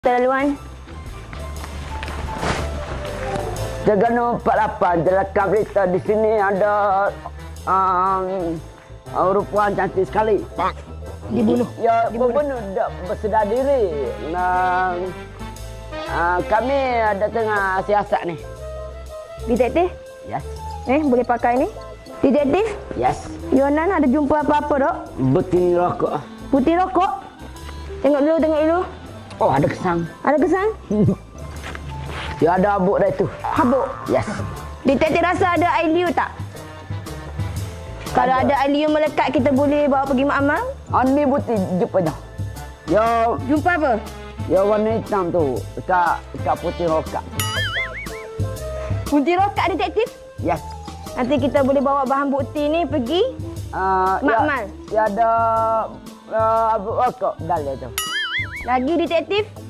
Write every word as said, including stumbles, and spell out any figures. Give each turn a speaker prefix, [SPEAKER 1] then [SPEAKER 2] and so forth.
[SPEAKER 1] Laluan.
[SPEAKER 2] Terengganu empat lapan jelaskan berita di sini ada um, perempuan cantik sekali.
[SPEAKER 1] Dibunuh.
[SPEAKER 2] Ya, dibunuh tak bersedar diri. Nah, uh, kami ada tengah siasat ni.
[SPEAKER 1] Detektif?
[SPEAKER 2] Yes.
[SPEAKER 1] Eh, boleh pakai ni? Detektif?
[SPEAKER 2] Yes.
[SPEAKER 1] Yonan ada jumpa apa-apa dok?
[SPEAKER 2] Betul rokok.
[SPEAKER 1] Putih rokok? Tengok dulu, tengok dulu.
[SPEAKER 2] Oh, ada kesan.
[SPEAKER 1] Ada kesan?
[SPEAKER 2] Ya, ada habuk dah itu.
[SPEAKER 1] Habuk?
[SPEAKER 2] Yes.
[SPEAKER 1] Detektif rasa ada air liu tak? Kalau ada air liu melekat, kita boleh bawa pergi makmal?
[SPEAKER 2] Ani putih jumpa dah. Ya,
[SPEAKER 1] Jumpa apa?
[SPEAKER 2] ya warna hitam tu. Dekat, dekat putih rokok.
[SPEAKER 1] Putih rokok detektif?
[SPEAKER 2] Yes.
[SPEAKER 1] Nanti kita boleh bawa bahan bukti ni pergi
[SPEAKER 2] Uh,
[SPEAKER 1] makmal.
[SPEAKER 2] Ya, ya ada uh, habuk rokok dalam tu.
[SPEAKER 1] Lagi detektif?